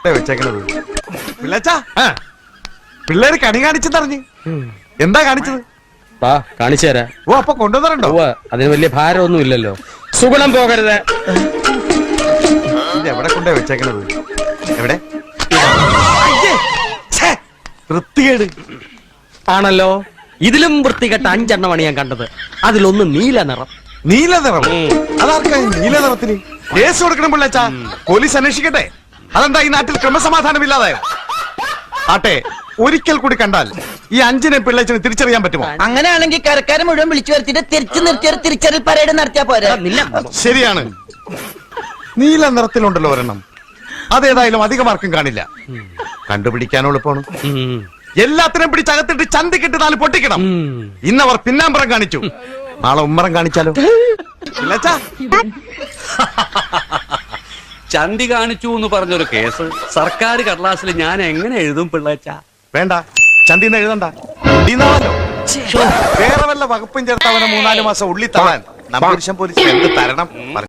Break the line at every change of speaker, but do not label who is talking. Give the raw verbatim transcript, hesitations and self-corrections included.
വെച്ചേക്കണത് പിള്ളച്ചാ പിള്ളേര് കണി കാണിച്ചെന്നറിഞ്ഞ് എന്താ കാണിച്ചത്?
വാ കാണിച്ചു തരാം.
ഓ അപ്പൊ കൊണ്ടുവന്നിട്ടുണ്ടോ?
അതിന് വലിയ ഭാരമൊന്നും ഇല്ലല്ലോ. സുഗുണം പോകരുത്.
ഇത് എവിടെ കൊണ്ടേ വെച്ചേക്കണത്? എവിടെ? വൃത്തികേട്
ആണല്ലോ. ഇതിലും വൃത്തികെട്ട അഞ്ചെണ്ണമാണ് ഞാൻ കണ്ടത്. അതിലൊന്ന് നീല നിറം.
നീല നിറം? അതാർക്കാ നീല നിറത്തിന് കേസ് കൊടുക്കണം പിള്ളച്ചാ? പോലീസ് അന്വേഷിക്കട്ടെ. അതെന്താ ഈ നാട്ടിൽ ക്രമസമാധാനം ഇല്ലാതായോ? ആട്ടെ, ഒരിക്കൽ കൂടി കണ്ടാൽ ഈ അഞ്ചിനെ പിള്ളേച്ചിനെ തിരിച്ചറിയാൻ പറ്റുമോ?
അങ്ങനെയാണെങ്കിൽ കരക്കാരെ മുഴുവൻ വിളിച്ചു വരുത്തിട്ട് തിരിച്ചു നിർത്തിയൊരു തിരിച്ചറിയൽ പരേഡ് നടത്തിയാ പോരെ?
ശരിയാണ്, നീല നിറത്തിലുണ്ടല്ലോ ഒരെണ്ണം. അതേതായാലും അധികമാർക്കും കാണില്ല. കണ്ടുപിടിക്കാനോ എളുപ്പമാണ്. എല്ലാത്തിനും പിടിച്ചകത്തിട്ട് ചന്തിക്കിട്ട് നാല് പൊട്ടിക്കണം. ഇന്നവർ പിന്നാമ്പറം കാണിച്ചു, നാളെ ഉമ്മറം കാണിച്ചാലോ?
ചന്തി കാണിച്ചു എന്ന് പറഞ്ഞൊരു കേസ് സർക്കാർ കടലാസിൽ ഞാൻ എങ്ങനെ എഴുതും പിള്ളേച്ച?
വേണ്ട, ചന്തിന്ന് എഴുതണ്ട. ഉള്ളിന്നാണല്ലോ. വേറെ വല്ല വകുപ്പും ചേർത്തവനെ മൂന്നാല് മാസം ഉള്ളി തള്ളാൻ നമ്മുടെ പോലീസ് എന്ത് തരണം?